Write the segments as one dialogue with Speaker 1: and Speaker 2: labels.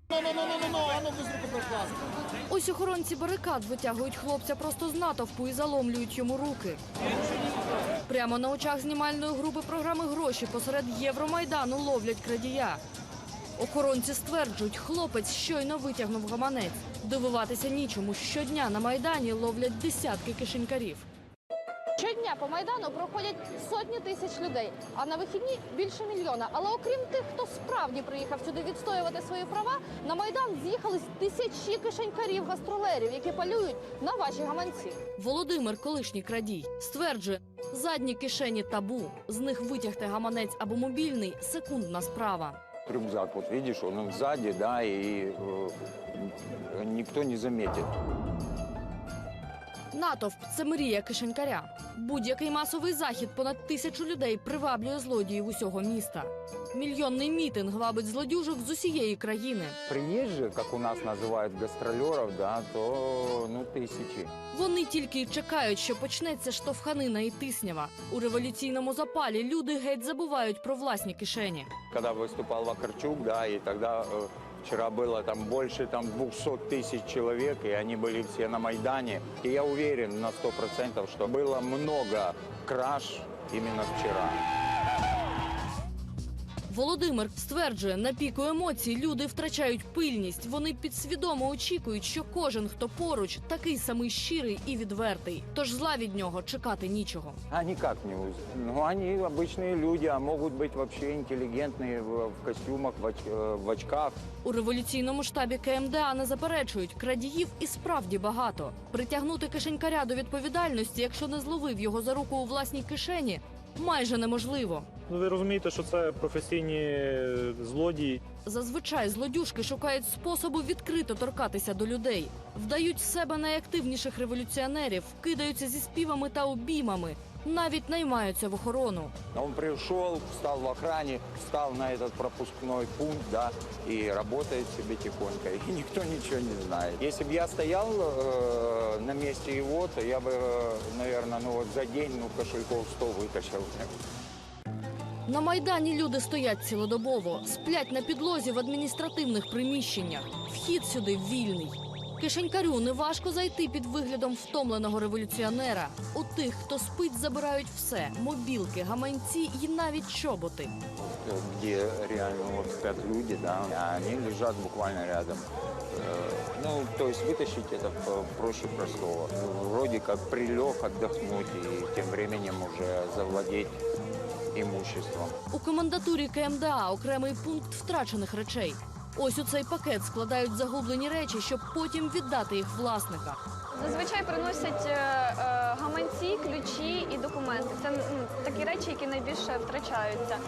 Speaker 1: Ось охоронці барикад витягують хлопця просто з натовпу і заломлюють йому руки. Прямо на очах знімальної групи програми «Гроші» посеред Євромайдану ловлять крадія. Охоронці стверджують, хлопець щойно витягнув гаманець. Дивуватися нічому. Щодня на Майдані ловлять десятки кишенькарів. Щодня по Майдану проходять сотні тисяч людей, а на вихідні – більше мільйона. Але окрім тих, хто справді приїхав сюди відстоювати свої права, на Майдан з'їхались тисячі кишенькарів-гастролерів, які полюють на ваші гаманці. Володимир, колишній крадій, стверджує, задні кишені табу. З них витягти гаманець або мобільний – секундна справа.
Speaker 2: Рюкзак, вот видишь, он сзади, да, и никто не заметит.
Speaker 1: Натовп – це мрія кишенькаря. Будь-який масовий захід понад 1000 людей приваблює злодіїв усього міста. Мільйонний мітинг вабить злодюжок з усієї країни.
Speaker 2: Приезжие, как у нас называют гастролеров, да, то тысячи.
Speaker 1: Вони тільки й чекають, що почнеться штовханина і тиснява. У революційному запалі люди геть забувають про власні кишені.
Speaker 2: Когда выступал Вакарчук, да, и тогда вчера было там больше 200 тысяч человек, и они были все на Майдане. И я уверен на 100%, что было много краж именно вчера.
Speaker 1: Володимир стверджує, на піку емоцій люди втрачають пильність. Вони підсвідомо очікують, що кожен, хто поруч, такий самий щирий і відвертий. Тож зла від нього чекати нічого.
Speaker 2: А никак не узнать. Они обычные люди, а могут быть вообще интеллигентные в костюмах, в очках.
Speaker 1: У революційному штабі КМДА не заперечують, крадіїв і справді багато. Притягнути кишенькаря до відповідальності, якщо не зловив його за руку у власній кишені, майже неможливо.
Speaker 3: Ви розумієте, що це професійні злодії.
Speaker 1: Зазвичай злодюжки шукають способу відкрито торкатися до людей. Вдають з себе найактивніших революціонерів, кидаються зі співами та обіймами, навіть наймаються в охорону.
Speaker 2: Он пришел, встал в охране, встал на этот пропускной пункт, да, и работает себе тихонько, и никто ничего не знает. Если бы я стоял на месте его, то я бы, наверное, за день кошельков 100 вытащил.
Speaker 1: На Майдані люди стоять цілодобово, сплять на підлозі в адміністративних приміщеннях. Вхід сюди вільний. Кишенькарю неважко зайти під виглядом втомленого революціонера. У тих, хто спить, забирають все – мобілки, гаманці і навіть чоботи.
Speaker 2: Где реально спят люди, да, а они лежат буквально рядом. То есть вытащить это проще простого. Вроде как прилег отдохнуть и тем временем уже завладеть імуществом.
Speaker 1: У комендатурі КМДА окремий пункт втрачених речей. Ось у цей пакет складають загублені речі, щоб потім віддати їх власникам.
Speaker 4: Зазвичай приносять гаманці, ключі і документи. Це такі речі, які найбільше втрачаються.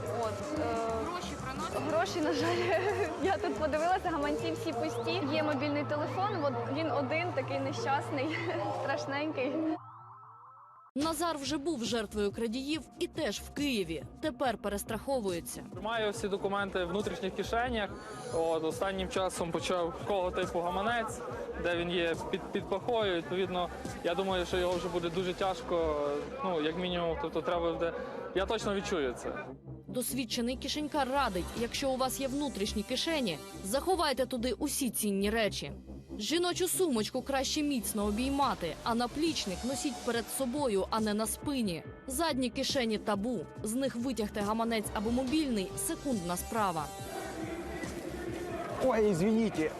Speaker 4: Гроші приносять? Гроші, на жаль. Я тут подивилася, гаманці всі пусті. Є мобільний телефон, він один, такий нещасний, страшненький.
Speaker 1: Назар вже був жертвою крадіїв і теж в Києві. Тепер перестраховується.
Speaker 3: Маю всі документи в внутрішніх кишенях. Останнім часом почав кого типу гаманець, де він є під пахою. Відповідно, я думаю, що його вже буде дуже тяжко, як мінімум, тобто треба буде. Я точно відчую це.
Speaker 1: Досвідчений кишенькар радить, якщо у вас є внутрішні кишені, заховайте туди усі цінні речі. Жіночу сумочку краще міцно обіймати, а наплічник носіть перед собою, а не на спині. Задні кишені табу. З них витягти гаманець або мобільний – секундна справа.
Speaker 2: Ой, извините.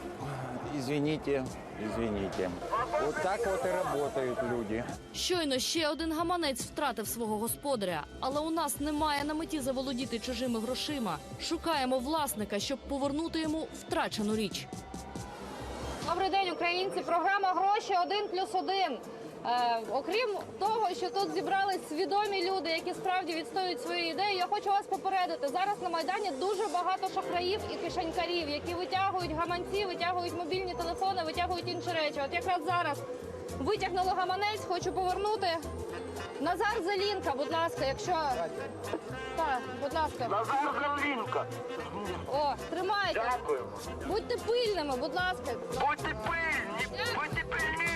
Speaker 2: Вот так вот и работают люди.
Speaker 1: Щойно ще один гаманець втратив свого господаря. Але у нас немає на меті заволодіти чужими грошима. Шукаємо власника, щоб повернути йому втрачену річ. Добрий день, українці. Програма «Гроші 1+1». Окрім того, що тут зібрались свідомі люди, які справді відстоюють свої ідеї, я хочу вас попередити. Зараз на Майдані дуже багато шахраїв і кишенькарів, які витягують гаманці, витягують мобільні телефони, витягують інші речі. От якраз зараз витягнули гаманець, хочу повернути. Назар Зелінка, будь ласка, якщо... Так, будь ласка.
Speaker 5: Назар Зелінка.
Speaker 1: О, тримайте.
Speaker 5: Дякую.
Speaker 1: Будьте пильними, будь ласка.
Speaker 5: Будьте пильні, будьте пильні.